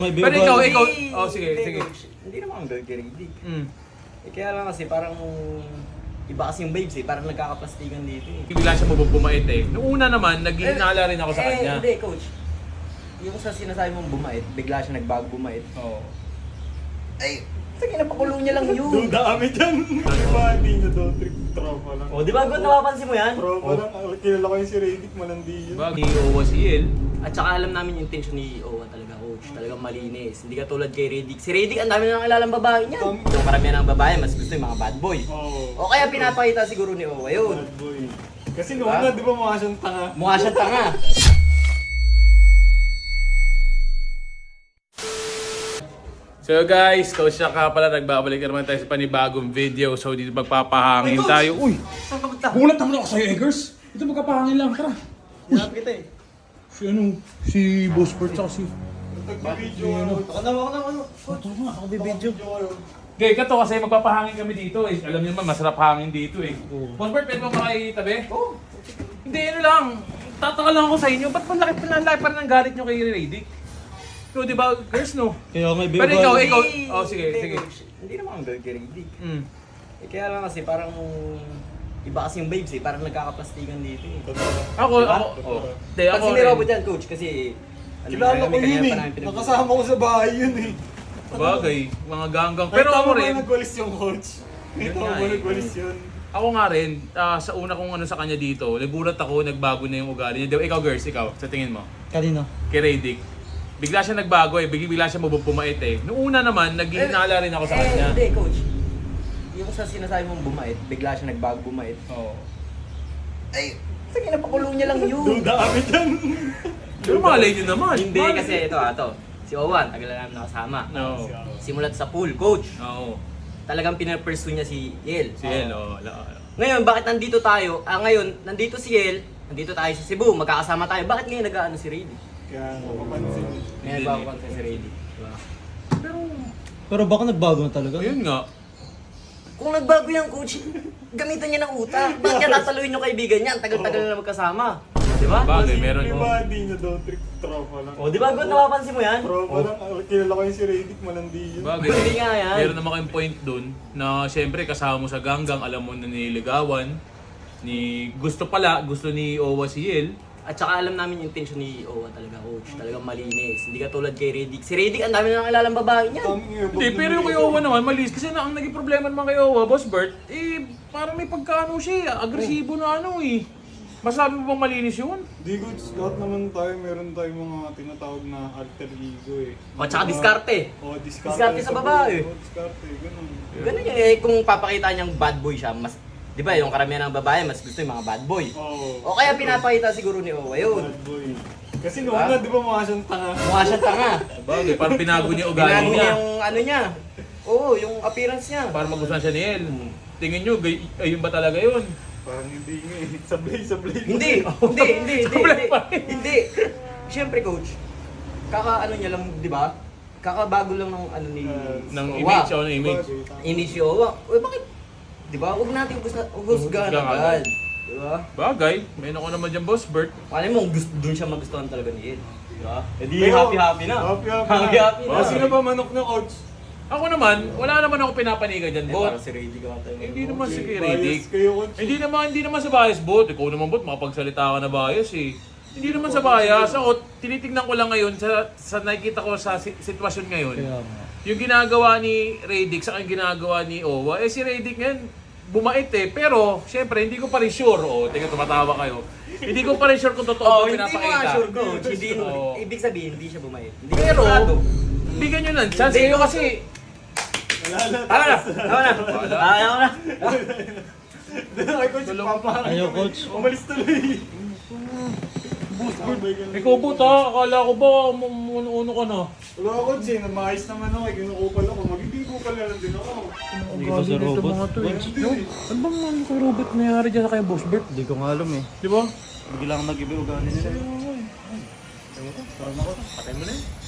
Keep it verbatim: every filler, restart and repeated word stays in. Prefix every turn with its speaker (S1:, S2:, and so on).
S1: May
S2: Pero ikaw,
S1: Hindi,
S2: ikaw, oh sige,
S1: hindi,
S2: sige.
S1: coach. Hindi naman ang gagaridig.
S2: Mm.
S1: Eh kaya lang kasi parang iba kasi yung babes eh, parang nagkakaplastikan dito eh.
S2: Bigla siya mabubumait eh. Noong una naman, naghihinala rin ako sa
S1: eh,
S2: kanya.
S1: Hindi, coach. Yung sa sinasabi mong bumait, bigla siya nagbago bumait.
S2: Oo.
S1: Ay, sige, napakulong niya lang yun.
S3: Dami dyan. Di ba, hindi nyo daw trip tropa lang.
S1: O, di ba, good, napapansin mo yan?
S3: Tropa
S2: Oh.
S3: lang. Ah, kilala ko yung si Redick, malandi yun.
S2: Diba? Ni Owa si El.
S1: At saka alam namin yung intention ni Owa talaga, coach. Talagang malinis. Hindi ka tulad kay Redick. Si Redick, ang dami na nang babae niya.
S3: Dami.
S1: Yung karamihan ng babae, mas gusto yung mga bad boy.
S3: Oo.
S1: O kaya pinapakita siguro ni Owa yun.
S3: Bad boy. Kasi noong
S1: Diba?
S3: una, di ba mukha siyang tanga?
S1: Mukha siyang tanga.
S2: So guys, Coach Shaka pala, nagbabalik naman tayo sa panibagong video. So dito magpapahangin tayo. Uy!
S1: Saan ka punta?
S2: Bulat naman ako sa'yo, Eggers. Ito magpapahangin lang, tara.
S1: Hinap kita eh.
S2: Si ano, si Boss Bert tsaka si...
S3: Nag-video ano.
S1: Ako na, ako na, ano.
S2: Ito nga, ako bibidyo.
S3: ano.
S2: Okay, kato kasi magpapahangin kami dito eh. Alam niyo naman, masarap hangin dito eh. Boss Bert, pwede mo makitabi?
S1: Oo.
S2: Hindi, ano lang. Tataka lang ako sa inyo. Ba't malaki pa lang pa ng galit nyo kay Redick? No, di ba, girls, no?
S1: Kaya may
S2: Pero ikaw, ikaw, oh sige,
S1: Hindi,
S2: sige.
S1: coach. Hindi naman ang gagaridig.
S2: Mm.
S1: Eh kaya lang kasi parang iba kasi yung babes eh, parang nagkakaplastikan dito eh.
S2: Ako,
S1: Diba?
S2: ako, oh. Hindi,
S1: Pag
S2: ako
S1: sinira
S2: rin.
S1: mo dyan, coach, kasi ano
S3: Kilala
S1: na,
S3: ko
S1: may
S3: yun
S1: kanya
S3: eh.
S1: pa namin pinag-
S3: Nakasama ko sa bahay yun eh.
S2: Bagay, mga ganggang.
S3: Pero
S2: Pero ako
S3: tama ba
S2: rin,
S3: nagwalis yung coach?
S2: Yun
S3: Ito
S2: nga
S3: ba
S2: eh.
S3: nagwalis yun?
S2: ako nga rin, ah, sa una kong ano sa kanya dito, nagulat ako, nagbago na yung ugali niya. Di ba, ikaw girls, ikaw, sa tingin mo?
S1: Kanino?
S2: Kay Redick. Bigla siya nagbago eh, bigla, bigla siya mabupumait eh. Noong una naman, naghihinala rin ako sa
S1: eh,
S2: kanya.
S1: Hindi, coach. Yung sa sinasabi mong bumait, bigla siya nagbago bumait.
S2: Oo.
S1: Ay, sige, napakulong niya lang yun.
S3: Duda kami dyan.
S2: Pero malay niyo naman.
S1: Hindi,
S2: Malay
S1: kasi
S2: niyo.
S1: ito, ito. Si Owan, tagal na namin nakasama.
S2: No.
S1: Simulat sa pool, coach.
S2: Oo.
S1: Talagang pinapursue niya si Yel.
S2: Si El, oh. wala-
S1: Ngayon, bakit nandito tayo? Ah, ngayon, nandito si Yel, nandito tayo sa Cebu, magkakasama tayo. Bakit ngayon nag-ano si Redick?
S3: Kaya napapansin.
S1: Ngayon,
S2: Hindi,
S1: bago
S2: hindi.
S1: kanta si Redick. Diba?
S2: Pero,
S4: Pero baka nagbago na talaga.
S2: ayun nga.
S1: Kung nagbago yung coach, gamitan niya ng utak. Bakit niya tataluin yung kaibigan niya? Ang tagal-tagal na magkasama. Di ba?
S2: Bagay, meron.
S3: Di ba, hindi nyo daw trip tropa lang.
S1: O, di ba? Good, napapansin mo yan?
S3: Tropa lang. Ah, kilala ko yung si Redick, malandi yun.
S2: Bagay.
S1: Hindi nga yan.
S2: Meron naman kayong point dun na syempre kasama mo sa ganggang, alam mo na nililigawan. Ni gusto pala, gusto ni Owa si Yel.
S1: At saka alam namin yung intention ni Owa talaga, coach. Talagang malinis. Hindi ka tulad kay Redick. Si Redick, ang dami na nakilalang babae niya.
S2: Hindi, pero yung kay Owa naman, malis. Kasi na, ang naging problema naman kay Owa, Boss Bert, eh, parang may pagkaano siya, agresibo na ano eh. Masabi mo bang malinis yun?
S3: Di goods, lahat naman tayo, meron tayong mga tinatawag na alter ego eh.
S1: O, tsaka diskarte.
S3: O, diskarte.
S1: Diskarte sa babae.
S3: O, diskarte, ganun.
S1: Ganun yun eh. Kung papakita niyang bad boy siya, mas... Di ba, yung karamihan ng babae, mas gusto yung mga bad boy.
S3: Oo.
S1: O kaya pinapakita siguro ni Owa yun.
S3: Bad boy. Kasi noong
S1: Diba?
S3: una, di ba mukha siyang tanga?
S1: Mukha siyang tanga.
S2: Bagay, parang pinago niya ugali
S1: Binago niya
S2: niya.
S1: yung ano niya. Oo, yung appearance niya.
S2: Para magustuhan siya ni El. Tingin nyo, gay, ayun ba talaga yun?
S3: Parang hindi nga eh. Sablay, sablay.
S1: Hindi, hindi, hindi, hindi,
S2: Sablay
S1: hindi.
S2: pa rin.
S1: Hindi. Siyempre, coach, kaka ano niya lang, di ba? Kakabago lang ng ano ni
S3: Uh,
S2: Ng
S1: Owa.
S2: image o ng image.
S1: Image ni Owa. Uy, bakit? Di ba? Huwag natin husgahan
S2: Husgahan
S1: agad. Di ba?
S2: Bagay, may nako naman dyan, Boss Bert.
S1: Paano mo, gusto, dun siya magustuhan talaga ni Ed. Di ba? Eh di
S3: Pero,
S1: happy-happy na.
S3: Happy-happy na.
S1: Happy-happy na.
S3: O, sino ba manok na coach?
S2: Ako naman, wala naman ako pinapanigan dyan,
S1: Eh,
S2: Bot.
S1: parang si Ray Di ka tayo.
S2: Hindi naman si
S3: Bias
S2: Redick.
S3: kayo, coach.
S2: Hindi naman, hindi naman sa bias, Bot. Ikaw naman, Bot, makapagsalita ka na bias eh. Hindi naman sa bias. Ako, tinitingnan ko lang ngayon sa, sa nakikita ko sa si- sitwasyon ngayon.
S4: Kaya nga.
S2: Yung ginagawa ni Redick sa yung ginagawa ni Owa, eh si Redick ngayon, bumait eh. Pero, syempre, hindi ko pa rin sure. O, tingnan, tumatawa kayo. Hindi ko pa rin sure kung totoo
S1: Oh,
S2: ba
S1: hindi mo
S2: pinapakita.
S1: nga sure, coach. Hindi,
S2: Oo.
S1: ibig sabihin, hindi siya bumait. Hindi
S2: Pero,
S1: sigurado.
S2: bigyan nyo ng chance.
S1: Hindi.
S2: Kayo kasi,
S3: Wala na.
S1: Tama na, tama na.
S2: Wala.
S1: Ayaw na.
S3: Ay, coach, papaharap
S4: Ayaw,
S3: kami.
S4: coach.
S3: Umalis tuloy. Sabay ka na.
S2: ikaw Bot ha, akala ko ba umuuno ka na?
S3: Wala ako, Jay. Maayos naman ako. Kinukupal ako. Magiging kupal na lang din ako.
S4: Hindi ko sa robot.
S2: Mga to, eh.
S3: Hindi.
S2: No? Ano bang ano kay Robert nangyari dyan sa kay Boss Bert?
S4: Hindi ko nga alam eh.
S2: Di ba?
S4: Biglang nag-iba ugali nila.
S2: Patay mo na yun.